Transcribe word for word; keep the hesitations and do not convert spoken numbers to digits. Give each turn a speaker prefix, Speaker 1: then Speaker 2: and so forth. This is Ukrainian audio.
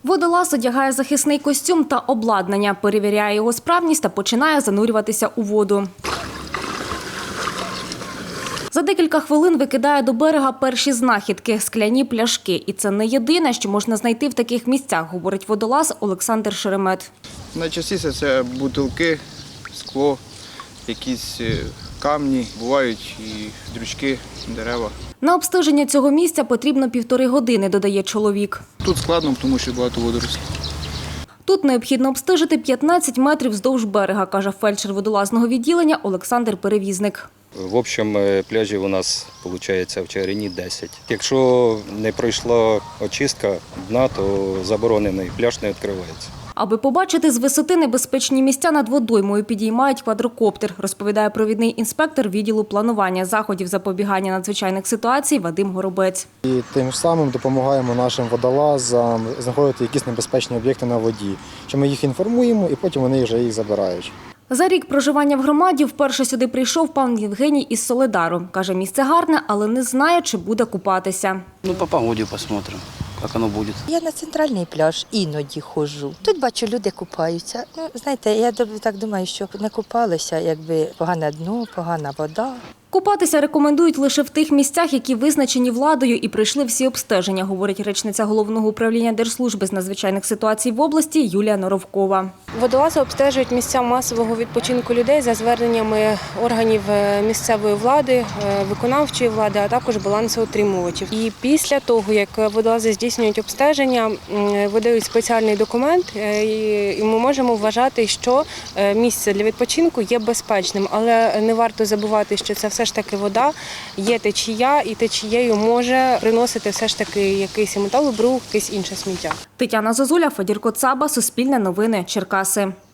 Speaker 1: Водолаз одягає захисний костюм та обладнання, перевіряє його справність та починає занурюватися у воду. За декілька хвилин викидає до берега перші знахідки – скляні пляшки. І це не єдине, що можна знайти в таких місцях, говорить водолаз Олександр Шеремет.
Speaker 2: Найчастіше це бутилки, скло, якісь камні, бувають і дрючки, дерева.
Speaker 1: На обстеження цього місця потрібно півтори години, додає чоловік.
Speaker 2: Тут складно, тому що багато водорослів.
Speaker 1: Тут необхідно обстежити п'ятнадцять метрів вздовж берега, каже фельдшер водолазного відділення Олександр Перевізник.
Speaker 3: В общем, пляжів у нас, виходить, в Чигирині десять. Якщо не пройшла очистка дна, то заборонений пляж не відкривається.
Speaker 1: Аби побачити з висоти небезпечні місця над водоймою, підіймають квадрокоптер, розповідає провідний інспектор відділу планування заходів запобігання надзвичайних ситуацій Вадим Горобець.
Speaker 4: І тим самим допомагаємо нашим водолазам знаходити якісь небезпечні об'єкти на воді, що ми їх інформуємо і потім вони вже їх забирають.
Speaker 1: За рік проживання в громаді вперше сюди прийшов пан Євгеній із Солидару. Каже, місце гарне, але не знає, чи буде купатися.
Speaker 5: Ну, по погоді посмотрим, як воно буде.
Speaker 6: Я на центральний пляж іноді ходжу. Тут бачу, люди купаються. Ну, знаєте, я так думаю, що не купалися, якби погане дно, погана вода.
Speaker 1: Купатися рекомендують лише в тих місцях, які визначені владою і пройшли всі обстеження, говорить речниця Головного управління Держслужби з надзвичайних ситуацій в області Юлія Норовкова.
Speaker 7: Водолази обстежують місця масового відпочинку людей за зверненнями органів місцевої влади, виконавчої влади, а також балансоутримувачів. І після того, як водолази здійснюють обстеження, видають спеціальний документ, і ми можемо вважати, що місце для відпочинку є безпечним. Але не варто забувати, що це все ж таки вода, є течія, і течією може приносити все ж таки якийсь металобрух, якесь інше сміття.
Speaker 1: Тетяна Зозуля, Федір Коцаба, Суспільне новини, Черкаси.